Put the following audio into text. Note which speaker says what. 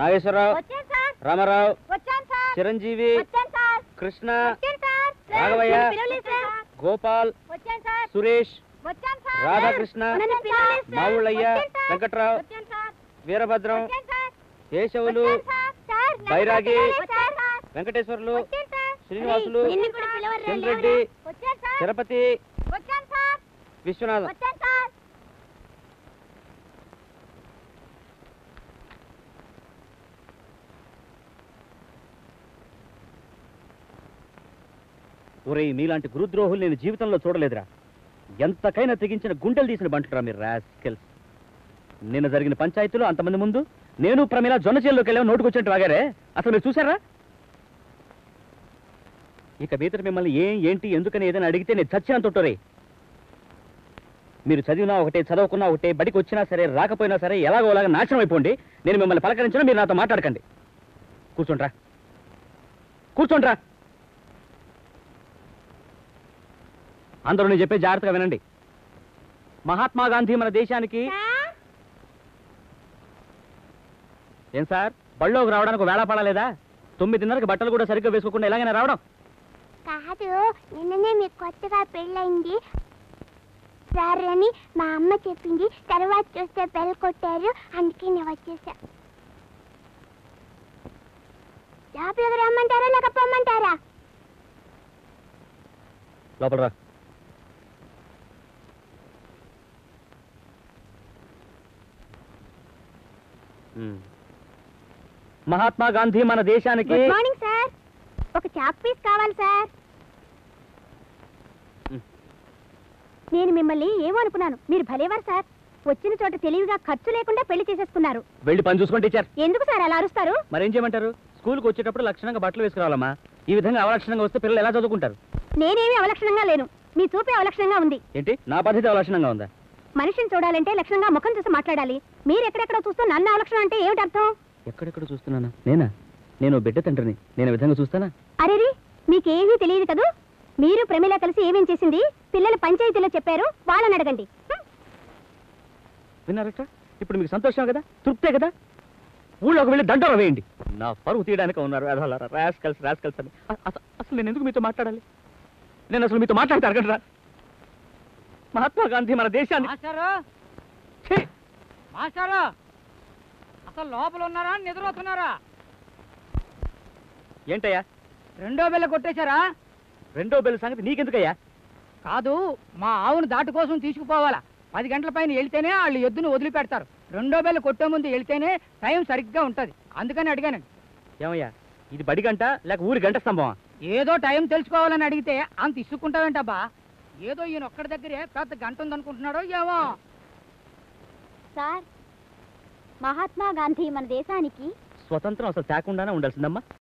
Speaker 1: నాగేశ్వరరావు, రామారావు, చిరంజీవి, కృష్ణ, రాఘవయ్య, గోపాల్, సురేష్, రాధాకృష్ణ, మావుళ్ళయ్య, వెంకట్రావు, వీరభద్రం, కేశవులు, బైరాగి, వెంకటేశ్వర్లు, శ్రీనివాసులు, చంద్రెడ్డి, తిరుపతి, విశ్వనాథం. ఒరే, మీలాంటి గురుద్రోహులు నేను జీవితంలో చూడలేదురా. ఎంతకైనా తెగించిన గుండెలు తీసిన బంటురా మీరు రాస్కెల్స్. నిన్న జరిగిన పంచాయతీలో అంతమంది ముందు నేను ప్రమీల జొన్న చేల్లోకి వెళ్ళాము, నోటుకొచ్చినట్టు వాగారే. అసలు మీరు చూసారా? ఇక మీదట మిమ్మల్ని ఏంటి ఎందుకని ఏదైనా అడిగితే నేను చచ్చినంత తొట్టరే. మీరు చదివినా ఒకటే, చదవకున్నా ఒకటే, బడికి వచ్చినా సరే రాకపోయినా సరే ఎలాగోలాగా నాశనం అయిపోండి. నేను మిమ్మల్ని పలకరించినా మీరు నాతో మాట్లాడకండి. కూర్చోండ్రా, కూర్చోండ్రా. అందరూ నేను చెప్పే జాగ్రత్తగా వినండి. మహాత్మా గాంధీ మన దేశానికి... ఏం సార్, బళ్ళోకి రావడానికి వేళ పడలేదా? 9:30కి బట్టలు కూడా సరిగ్గా వేసుకోకుండా ఎలాగైనా రావడం?
Speaker 2: కాదు, నిన్ననే మీకు కొత్తగా పెళ్ళయింది సార్ అని మా అమ్మ చెప్పింది. తర్వాత చూస్తే బెల్ కొట్టారు, అందుకే నేను వచ్చేసా. లోపలికి రమ్మంటారా లేక పొమ్మంటారా?
Speaker 1: లోపల రా. మహాత్మా గాంధీ మన దేశానికి...
Speaker 2: గుడ్ మార్నింగ్ సార్, ఒక చాప్ పీస్ కావాలి సార్. నేను మిమ్మల్ని ఏమో అనుకున్నాను, మీరు భలేవారు సార్. వచ్చిన చోట తెలివిగా ఖర్చు లేకుండా పెళ్లి చేసేసుకున్నారు.
Speaker 1: వెళ్ళి పని చూసుకోండి టీచర్.
Speaker 2: ఎందుకు సార్ అలా అరుస్తారు?
Speaker 1: మరేం చేయమంటారు? స్కూల్కి వచ్చేటప్పుడు లక్షణంగా బట్టలు వేసుకురావాలమ్మా. ఈ విధంగా అవలక్షణంగా వస్తే పిల్లలు ఎలా చదువుకుంటారు?
Speaker 2: నేనేమి అవలక్షణంగా లేను, మీ చూపే అవలక్షణంగా ఉంది.
Speaker 1: ఏంటి, నా పద్ధతి అవలక్షణంగా ఉందా?
Speaker 2: మనిషిని చూడాలంటే లక్షణంగా ముఖం చూసి మాట్లాడాలి. మీరు ఎక్కడెక్కడ చూస్తూ నన్ను అవలక్షణం అంటే ఏమిటి అర్థం?
Speaker 1: ఎక్కడెక్కడ చూస్తున్నానా? నేను బిడ్డ తండ్రిని, నేను విధంగా చూస్తానా?
Speaker 2: అరేరి, మీకేమీ తెలియదు కదూ. మీరు ప్రమీల కలిసి ఏమేం చేసింది పిల్లల పంచాయతీలో చెప్పారు, వాళ్ళని అడగండి.
Speaker 1: విన్నారట? ఇప్పుడు మీకు సంతోషం కదా, తృప్తే కదా? ఊళ్ళోకి వెళ్ళి దండోరా వేయండి. నా పరువు తీయడానికి ఉన్నారు రాస్కల్స్ అని. అసలు నేను ఎందుకు మీతో మాట్లాడాలి? నేను అసలు మీతో మాట్లాడితే అడగడరా? మహాత్మా గాంధీ మన దేశాన్ని...
Speaker 3: మాస్టారు, అసలు లోపల ఉన్నారా, నిద్రపోతున్నారా?
Speaker 1: ఏంటయ్యా,
Speaker 3: రెండో బెల్ల కొట్టేశారా?
Speaker 1: రెండో బెల్ల సంగతి నీకెందుకయ్యా?
Speaker 3: కాదు, మా ఆవును దాటు కోసం తీసుకుపోవాలా. 10 గంటల పైన వెళ్తేనే వాళ్ళు ఎద్దును వదిలిపెడతారు. రెండో బెల్ల కొట్టే ముందు వెళ్తేనే టైం సరిగ్గా ఉంటది, అందుకని అడిగానండి.
Speaker 1: ఏమయ్యా, ఇది బడి గంట లేక ఊరి గంట స్తంభమా?
Speaker 3: ఏదో టైం తెలుసుకోవాలని అడిగితే అంత ఇసుక్కుంటావేంటబ్బా? ఏదో ఈయన ఒక్కడి దగ్గరే పెద్ద గంట ఉందనుకుంటున్నాడో ఏమో.
Speaker 2: సార్, మహాత్మా గాంధీ మన దేశానికి
Speaker 1: స్వతంత్రం అసలు తేకుండానే ఉండాల్సిందమ్మా.